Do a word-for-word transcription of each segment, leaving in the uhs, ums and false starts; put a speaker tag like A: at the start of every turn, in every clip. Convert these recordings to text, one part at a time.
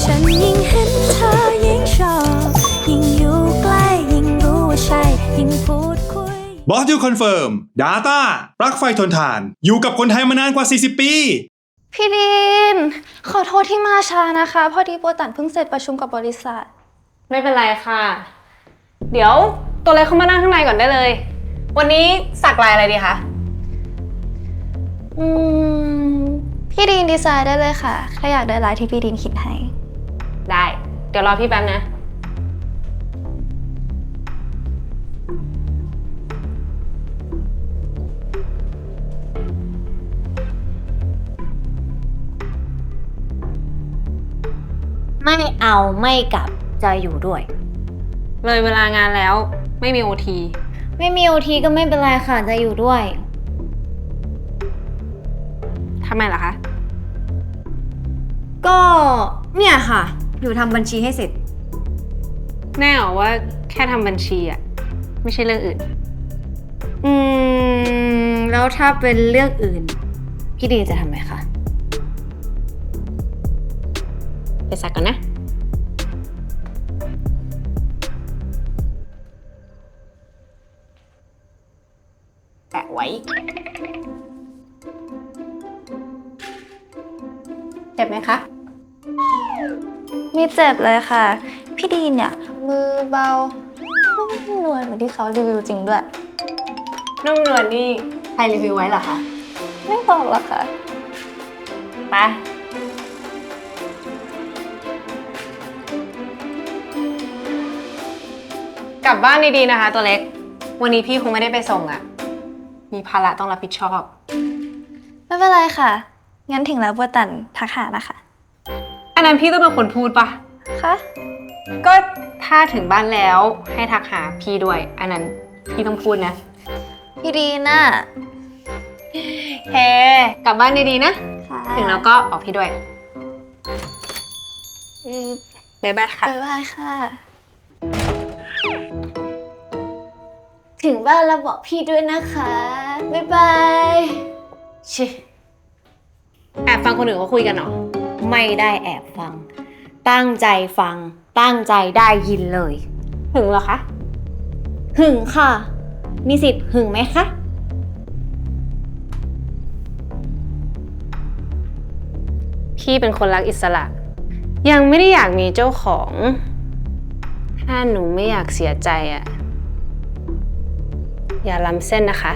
A: ฉันยิ่งเห็นเธอยิ่งชอบยิ่งอยู่ใกล้ยิ่งรู้ว่าใช่ยิ่งพูดคุย
B: บอสยูคอนเฟิร์ม Data ปลั๊กไฟทนทานอยู่กับคนไทยมานานกว่า สี่สิบ ปี
C: พี่ดินขอโทษที่มาช้านะคะพอดีโบตันเพิ่งเสร็จประชุมกับบริษัท
D: ไม่เป็นไรค่ะเดี๋ยวตัวเล็กเข้ามานั่งข้างในก่อนได้เลยวันนี้สักลายอะไรดีคะ
C: อืมพี่ดินดีไซน์ได้เลยค่ะแค่อยากได้ลายที่พี่ดินคิดให้
D: ได้เดี๋ยวรอพี่แป๊บนะ
E: ไม่เอาไม่กลับจะอยู่ด้วย
D: เลยเวลางานแล้วไม่มีโอที
E: ไม่มีโอทีก็ไม่เป็นไรค่ะจะอยู่ด้วย
D: ทำไมล่ะคะ
E: ก็เนี่ยค่ะอยู่ทำบัญชีให้เสร็จ
D: แน่หรอว่าแค่ทำบัญชีอะไม่ใช่เรื่องอื่น
E: อืมแล้วถ้าเป็นเรื่องอื่นพี่ดีจะทำไหมคะ
D: ไปสักก่อนนะแปะไว้เจ็บไหมคะ
C: ไม่เจ็บเลยค่ะพี่ดีนเนี่ยมือเบานุ่มนวลเหมือนที่เขารีวิวจริงด้วย
D: นุ่มนวลนี่ใครรีวิวไว้เหรอคะ
C: ไม่บอกหรอกค่ะ
D: ไปกลับบ้านดีๆนะคะตัวเล็กวันนี้พี่คงไม่ได้ไปส่งอะมีภาระต้องรับผิดชอบ
C: ไม่เป็นไรค่ะงั้นถึงแล้วโบตันทักหานะคะ
D: อันนั้นพี่ต้องเป็นคนพูดปะ
C: คะ
D: ก็ถ้าถึงบ้านแล้วให้ทักหาพี่ด้วยอันนั้นพี่ต้องพูดนะ
C: พี่ดีน่ะ
D: เฮ้กลับบ้านดีๆนะถึงแล้วก็ออกพี่ด้วยบ๊ายบายค่ะ
C: บ๊ายบายค่ะ
E: ถึงบ้านแล้วบอกพี่ด้วยนะคะบ๊ายบายชิ
D: แอบฟังคนอื่นเขาคุยกันเหรอ
E: ไม่ได้แอบฟังตั้งใจฟังตั้งใจได้ยินเลย
D: หึงเหรอคะ
E: หึงค่ะมีสิทธิ์หึงไหมคะ
D: พี่เป็นคนรักอิสระยังไม่ได้อยากมีเจ้าของถ้าหนูไม่อยากเสียใจอะอย่าล้ำเส้นนะคะ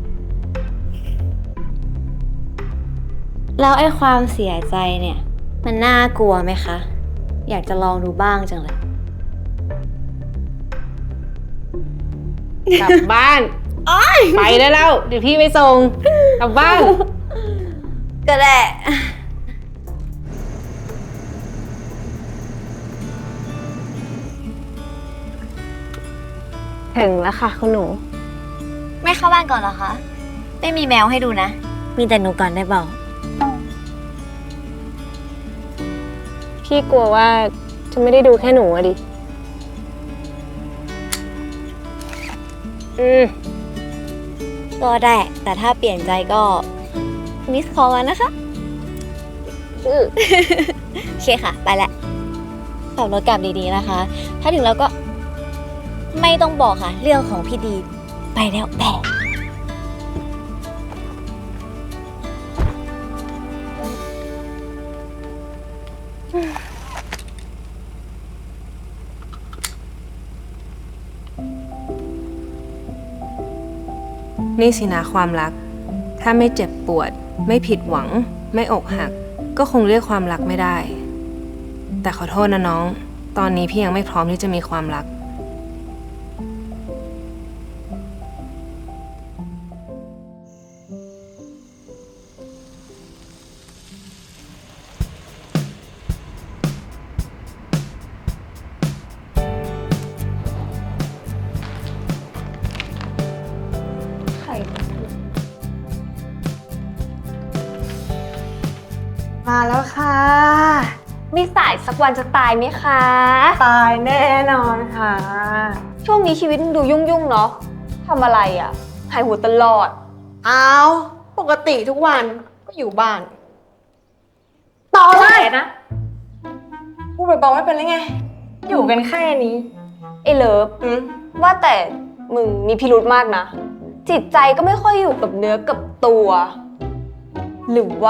E: แล้วไอ้ความเสียใจเนี่ยมันน่ากลัวไหมคะอยากจะลองดูบ้างจังเลย
D: กลับบ้านไปได้แล้วเดี๋ยวพี่ไปส่งกลับบ้าน
E: ก็ได้
D: ถึงแล้วค่ะคุณหนู
E: ไม่เข้าบ้านก่อนเหรอคะไม่มีแมวให้ดูนะมีแต่หนูก่อนได้เปล่า
D: พี่กลัวว่าจะไม่ได้ดูแค่หนูอะดิอืม
E: ก็ได้แต่ถ้าเปลี่ยนใจก็มิสคอลนะคะอือโอเคค่ะไปละขับรถกลับดีๆนะคะถ้าถึงแล้วก็ไม่ต้องบอกค่ะเรื่องของพี่ดีไปแล้วแบะ
D: นี่สินะความรักถ้าไม่เจ็บปวดไม่ผิดหวังไม่อกหักก็คงเรียกความรักไม่ได้แต่ขอโทษนะน้องตอนนี้พี่ยังไม่พร้อมที่จะมีความรัก
C: มาแล้วค่ะมีสายสักวันจะตายไหมคะ
D: ตายแน่นอนค่ะ
C: ช่วงนี้ชีวิตดูยุ่งๆเนาะทำอะไรอ่ะหายหัวตลอด
D: อ้าวปกติทุกวันก็อยู่บ้าน
C: ต่อเลยนะ
D: กูเบาๆไม่เป็นไรไง อยู่กันแค่นี้
C: ไอ้เลิฟ
D: อืม
C: ว่าแต่มึงมีพิรุธมากนะ จิตใจก็ไม่ค่อยอยู่กับเนื้อกับตัว หรือว่า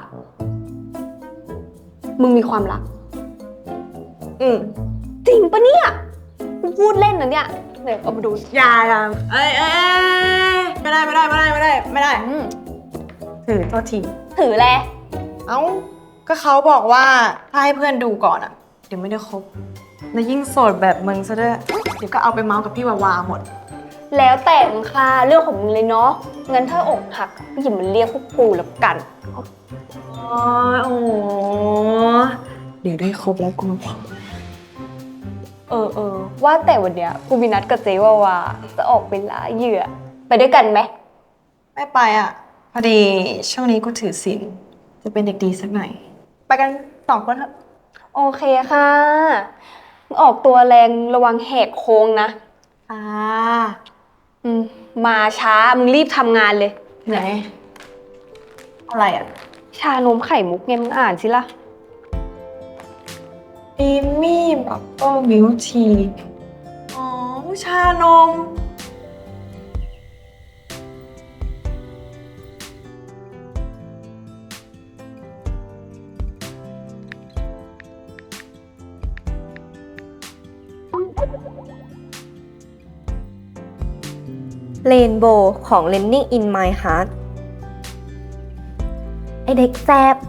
C: มึงมีความรัก
D: อืม
C: จริงปะเนี่ยกูพูดเล่นนะเนี่ยเดี๋ยวเอามาดู
D: อย่าอย่าเอ้ยเอ้ยเอ้ยไม่ได้ไม่ได้ไม่ได้ไม่ได้ไม่ได้
C: อืม
D: ถือโทษที
C: ถือแล
D: เอ้า ก็เขาบอกว่าถ้าให้เพื่อนดูก่อนอะเดี๋ยวไม่ได้คบ แล้วยิ่งโสดแบบมึงซะด้วย เดี๋ยวก็เอาไปเมาส์กับพี่วาวาหมด
C: แล้วแต่มึงค่ะเรื่องของมึงเลยเนาะงั้นถ้าอกหักก็อย่ามาเรียกพวกกูแล้วกัน
D: อ๋อโอ้เดี๋ยวได้ครบแล้วกูมาบอก
C: เออเออว่าแต่วันเนี้ยกูมีนัดกับเจวาวาจะออกไปล่าเหยื่อ ไปด้วยกันไหม
D: ไม่ไปอ่ะ พอดีช่วงนี้กูถือศีลจะเป็นเด็กดีสักหน่อย ไปกันสองคนเถอะ
C: โอเคค่ะออกตัวแรงระวังแหกโค้งนะ
D: อ่า
C: อืมมาช้ามึงรีบทำงานเลย
D: ไหน อะไรอ่ะ
C: ชานมไข่มุกไงมึงอ่านสิล่ะ
D: ดีมี่บับเบิ้ลมิลที อ๋อ ชานม
E: เรนโบว์ของ Landing in My Heart ไอเด็กแซบ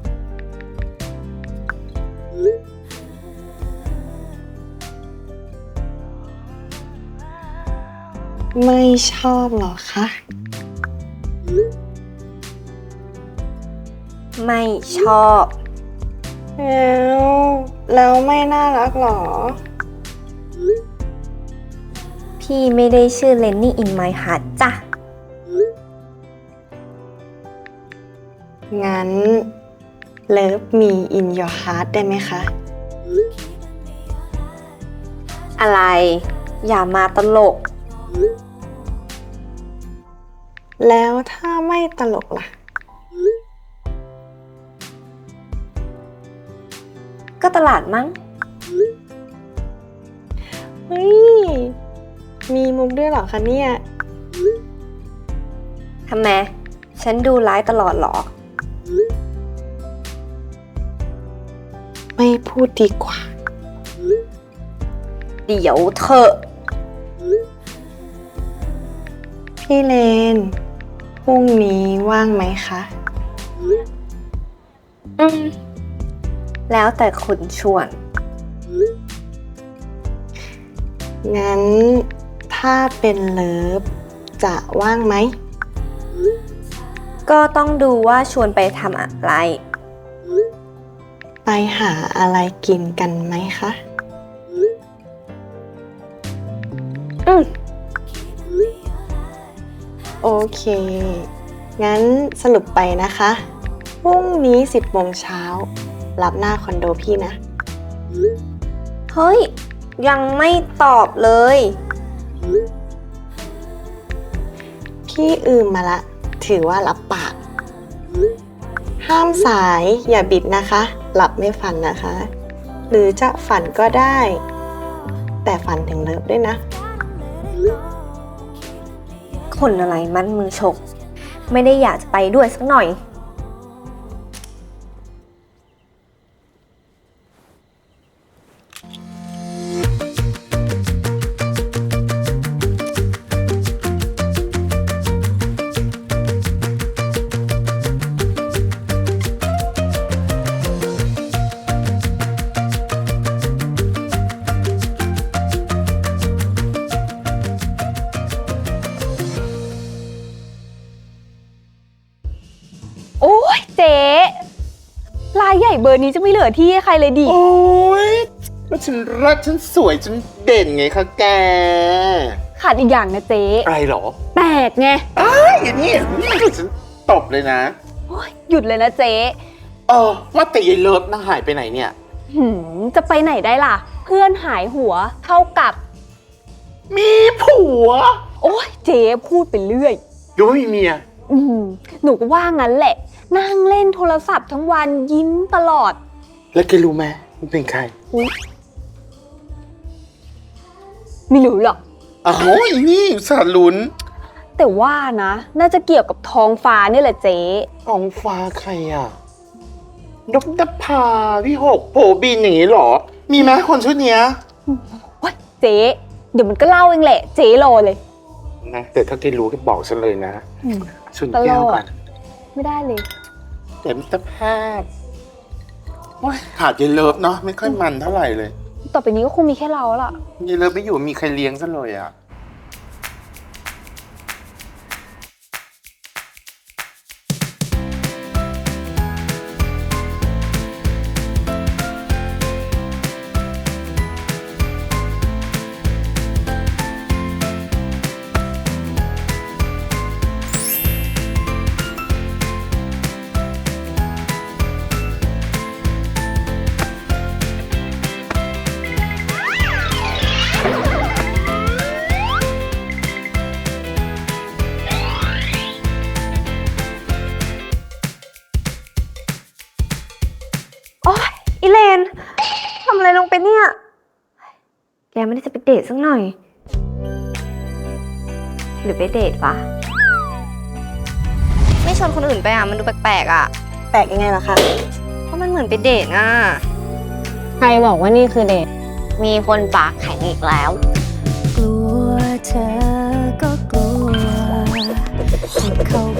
D: ไม่ชอบหรอคะ
E: ไม่ชอบ
D: แล้วแล้วไม่น่ารักหรอ
E: พี่ไม่ได้ชื่อ Landing in My Heart จ้ะ
D: งั้น Love me in your heart ได้ไหมคะ
E: อะไร อย่ามาตลก
D: แล้วถ้าไม่ตลกล่ะ
E: ก็ตลาดมั้ง
D: เฮ้ย มีมุกด้วยเหรอคะเนี่ย
E: ทำไม ฉันดูร้ายตลอดเหรอ
D: ไม่พูดดีกว่า
E: เดี๋ยวเถอะ
D: พี่เลน พรุ่งนี้ว่างไหมคะ
E: อืม แล้วแต่คุณชวน
D: งั้นถ้าเป็นเลิฟจะว่างไหม
E: ก็ต้องดูว่าชวนไปทำอะไร
D: ไปหาอะไรกินกันไหมคะ
E: อืม
D: โอเค งั้นสรุปไปนะคะ พรุ่งนี้สิบโมงเช้า รับหน้าคอนโดพี่นะ
E: เฮ้ย ยังไม่ตอบเลย
D: พี่อืมมาละ ถือว่ารับปาก ห้ามสายอย่าบิดนะคะ หลับไม่ฝันนะคะ หรือจะฝันก็ได้ แต่ฝันถึงเลิฟด้วยนะ
E: คนอะไรมันมือฉก ไม่ได้อยากจะไปด้วยสักหน่อย
C: โอ้ยเจ๊ลายใหญ่เบอร์นี้จะไม่เหลือที่ให้ใครเลยดิ
F: โอ้ยแล้วฉันรักฉันสวยฉันเด่นไงคะแก
C: ขาดอีกอย่างนะเจ๊
F: อะไรหรอ
C: แตกไง
F: อ้ายอย่างนี้นี่ฉันตบเลยนะ
C: โอ้ยหยุดเลยนะเจ๊
F: เออว่าแต่ยายเลิฟน่าหายไปไหนเนี่ย
C: หืมจะไปไหนได้ล่ะ เพื่อนหายหัวเท่ากับ
F: มีผัว
C: โอ้ยเจ๊พูดไปเรื่อย
F: หรือว่ามีเมีย
C: อืมหนูก็ว่างั้นแหละ นั่งเล่นโทรศัพท์ทั้งวันยิ้มตลอด
F: แล้วแกรู้ไหมคุณเป็นใคร
G: ไม่รู้หรอก
F: อ้าวอีนี่สารลุ้น
G: แต่ว่านะ น่าจะเกี่ยวกับท้องฟ้านี่แหละเจ๊
F: ท้องฟ้าใครอ่ะดกดภาพี่หกโผบินอย่างนี้เหรอ มีไหมคนชุดเนี้ย
G: ว้ายเจ๊เดี๋ยวมันก็เล่าเองแหละ เจ๊รอเลย
F: นะแต่ถ้าแกรู้ก็บอกฉันเลยนะ
G: อืม
F: ชนแก้ว
G: ตลอด
F: กัน
G: ไม่ได้เลย
F: แต่มิตรภาพโอ้ยขาดเยายเลิฟเนาะไม่ค่อยมันเท่าไหร่เลย
G: ต่อไปนี้ก็คงมีแค่เราแล้วล่ะ
F: เยายเลิฟไม่อยู่มีใครเลี้ยงซะเลยอ่ะ
C: โอ๊ยอีเลนทำอะไรลงไปเนี่ย แกไม่ได้จะไปเดทสักหน่อย หรือไปเดทวะไม่ชวนคนอื่นไปอ่ะ มันดูแปลกๆอ่ะ
G: แปลกยังไงล่ะคะ
C: เพราะมันเหมือนไปเดทอ่ะ
G: ใครบอกว่านี่คือเดท
C: มีคนปากแข็งอีกแล้ว
A: กลัวเธอก็กลัวที่เขา